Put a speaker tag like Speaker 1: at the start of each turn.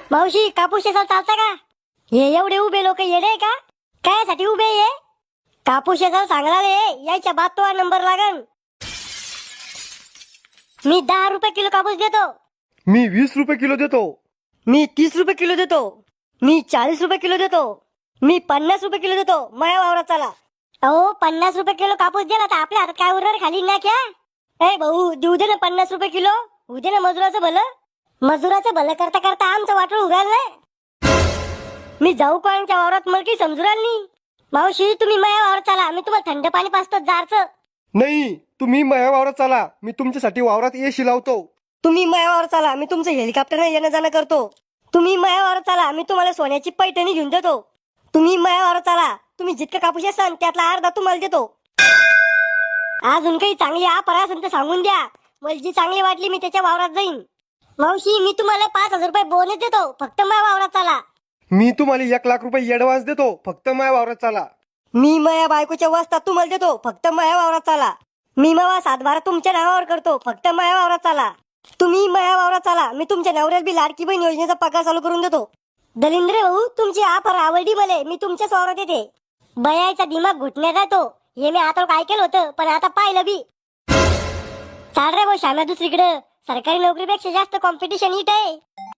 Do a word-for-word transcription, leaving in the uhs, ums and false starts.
Speaker 1: मावशी कापूस शेतात चालता का? हे एवढे उभे लोक येडे का? कायसाठी उभे ये? कापूस शेतात चांगला रे, यायच्या बाद तो नंबर लागन. मी दहा रुपये किलो कापूस देतो.
Speaker 2: मी वीस रुपये किलो देतो.
Speaker 1: मी तीस रुपये किलो देतो. मी चाळीस रुपये किलो देतो. मी पन्नास रुपये किलो देतो. माया वावरात चला. अहो पन्नास रुपये किलो कापूस दिला तर आपल्या हातात काय उरणार खाली ना क्या? ए भाऊ देऊ दे ना पन्नास रुपये किलो. होऊ दे ना मजुराचं भलं. मजुराचं भलं करता करता आमचं वाटोळ उगाल ना. मी जाऊ कोणाच्या वावरात मला काही समजू राहिलं नाही. मावशी तुम्ही माया वावरात चला, मी तुम्हाला थंड पाणी पाजतो जारचं.
Speaker 2: नाही, तुम्ही माझ्या वावरात चला, मी तुमच्यासाठी वावरात एसी लावतो.
Speaker 1: तुम्ही माया वावरात चला, मी तुमचं हेलिकॉप्टर येणं जाणं करतो. तुम्ही माया वावरात चला, मी तुम्हाला सोन्याची पैठणी घेऊन देतो. तुम्ही माया वावरात चला, तुम्ही जितकं कापूस असाल त्यातला अर्धा तुम्हाला देतो. अजून काही चांगली ऑफर असेल तर सांगून द्या. मला जी चांगली वाटली मी त्याच्या वावरात जाईन. मावशी मी तुम्हाला पाच हजार रुपये बोनस देतो, फक्त माया वावरात चला.
Speaker 2: मी तुम्हाला एक लाख रुपये ऍडव्हान्स देतो, फक्त माझ्या वावरात चला.
Speaker 1: मी माया बायकोच्या वाजता तुम्हाला देतो, फक्त माया वावरात चला. मी मावा सातबारा तुमच्या नावावर करतो, फक्त माया वावरात चला. तुम्ही माया वावरात चला, मी तुमच्या नवऱ्याला बी लाडकी बहीण योजनेचा पगार चालू करून देतो. दलिंद्र भाऊ तुमची ऑफर आवडली मला, मी तुमच्याच वावरात येते. बयाचा दिमाग घुटण्यात जातो हे मी आता काय केलं होतं, पण आता पाहिलं बी. चाल रे भाऊ श्याम्या दुसरीकडे. सरकारी नोकरीपेक्षा जास्त कॉम्पिटिशन इट आहे.